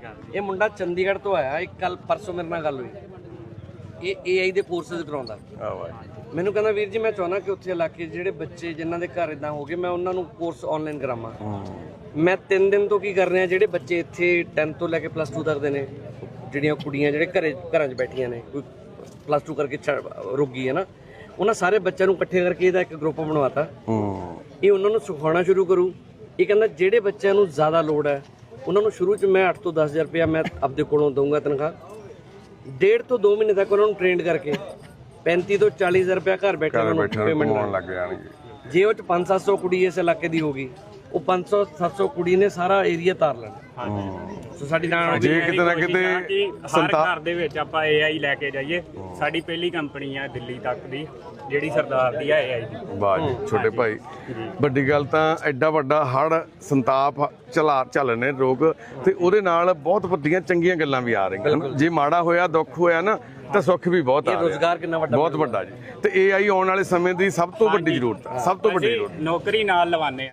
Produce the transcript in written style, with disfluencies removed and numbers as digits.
ਇਹ ਮੁੰਡਾ ਚੰਡੀਗੜ੍ਹ ਤੋਂ ਆਇਆ, ਇੱਕ ਕੱਲ ਪਰਸੋਂ ਮੇਰੇ ਨਾਲ ਗੱਲ ਹੋਈ। ਇਹ AI ਦੇ ਕੋਰਸਿਸ ਕਰਾਉਂਦਾ। ਮੈਨੂੰ ਕਹਿੰਦਾ ਵੀਰ ਜੀ ਮੈਂ ਚਾਹੁੰਦਾ ਕਿ ਉੱਥੇ ਇਲਾਕੇ ਜਿਹੜੇ ਬੱਚੇ ਜਿਨ੍ਹਾਂ ਦੇ ਘਰ ਇਦਾਂ ਹੋ ਗਏ ਮੈਂ ਉਹਨਾਂ ਨੂੰ ਕੋਰਸ ਆਨਲਾਈਨ ਕਰਾਵਾਂ। ਮੈਂ 3 ਦਿਨ ਤੋਂ ਕੀ ਕਰ ਰਿਹਾ, ਜਿਹੜੇ ਬੱਚੇ ਇੱਥੇ 10th ਤੋਂ ਲੈ ਕੇ +2 ਤੱਕ ਦੇ ਨੇ, ਜਿਹੜੀਆਂ ਕੁੜੀਆਂ ਜਿਹੜੇ ਘਰਾਂ 'ਚ ਬੈਠੀਆਂ ਨੇ, ਕੋਈ +2 ਕਰਕੇ ਰੁਕ ਗਈ ਹੈ ਨਾ, ਉਹਨਾਂ ਸਾਰੇ ਬੱਚਿਆਂ ਨੂੰ ਇਕੱਠੇ ਕਰਕੇ ਇਹਦਾ ਇੱਕ ਗਰੁੱਪ ਬਣਵਾਤਾ। ਇਹ ਉਹਨਾਂ ਨੂੰ ਸਿਖਾਉਣਾ ਸ਼ੁਰੂ ਕਰੂ। ਇਹ ਕਹਿੰਦਾ ਜਿਹੜੇ ਬੱਚਿਆਂ ਨੂੰ ਜ਼ਿਆਦਾ ਲੋੜ ਹੈ ਉਹਨਾਂ ਨੂੰ ਸ਼ੁਰੂ 'ਚ ਮੈਂ 8 ਤੋਂ 10 ਹਜ਼ਾਰ ਰੁਪਇਆ ਮੈਂ ਆਪਦੇ ਕੋਲੋਂ ਦਊਂਗਾ ਤਨਖਾਹ। 1.5 ਤੋਂ 2 ਮਹੀਨੇ ਤੱਕ ਉਹਨਾਂ ਨੂੰ ਟ੍ਰੇਨਡ ਕਰਕੇ 35 ਤੋਂ 40 ਹਜ਼ਾਰ ਰੁਪਇਆ ਘਰ ਬੈਠੇ ਉਹਨਾਂ ਨੂੰ ਪੇਮੈਂਟ ਲੱਗ ਜਾਣਗੇ। ਜੇ ਉਹ 'ਚ 500-700 ਕੁੜੀ ਇਸ ਇਲਾਕੇ ਦੀ ਹੋਗੀ, ਉਹ 500-700 ਕੁੜੀ ਨੇ ਸਾਰਾ ਏਰੀਆ ਤਾਰ ਲੈਣਾ। ਸੋ ਸਾਡੀ ਨਾਲ ਜੇ ਕਿਤੇ ਨਾ ਕਿਤੇ ਹਰ ਘਰ ਦੇ ਵਿੱਚ ਆਪਾਂ AI ਲੈ ਕੇ ਜਾਈਏ। ਸਾਡੀ ਪਹਿਲੀ ਕੰਪਨੀ ਆ ਦਿੱਲੀ ਤੱਕ ਦੀ ਜਿਹੜੀ ਸਰਦਾਰ ਦੀ ਆ AI ਦੀ। ਵਾਹ ਜੀ ਛੋਟੇ ਭਾਈ, ਵੱਡੀ ਗੱਲ ਤਾਂ ਐਡਾ ਵੱਡਾ ਹੜ੍ਹ ਸੰਤਾਪ ਚੱਲ ਨੇ ਲੋਕ, ਤੇ ਉਹਦੇ ਨਾਲ ਬਹੁਤ ਵੱਡੀਆਂ ਚੰਗੀਆਂ ਗੱਲਾਂ ਵੀ ਆ ਰਹੀਆਂ ਹਨ। ਜੇ ਮਾੜਾ ਹੋਇਆ, ਦੁੱਖ ਹੋਇਆ ਨਾ, ਤਾਂ ਸੁੱਖ ਵੀ ਬਹੁਤ ਆ ਰਿਹਾ। ਰੋਜ਼ਗਾਰ ਕਿੰਨਾ ਵੱਡਾ, ਬਹੁਤ ਵੱਡਾ ਜੀ। ਤੇ AI ਆਉਣ ਵਾਲੇ ਸਮੇਂ ਦੀ ਸਭ ਤੋਂ ਵੱਡੀ ਜ਼ਰੂਰਤ ਹੈ, ਸਭ ਤੋਂ ਵੱਡੀ ਜ਼ਰੂਰਤ। ਨੌਕਰੀ ਨਾਲ ਲਵਾਨੇ ਆ।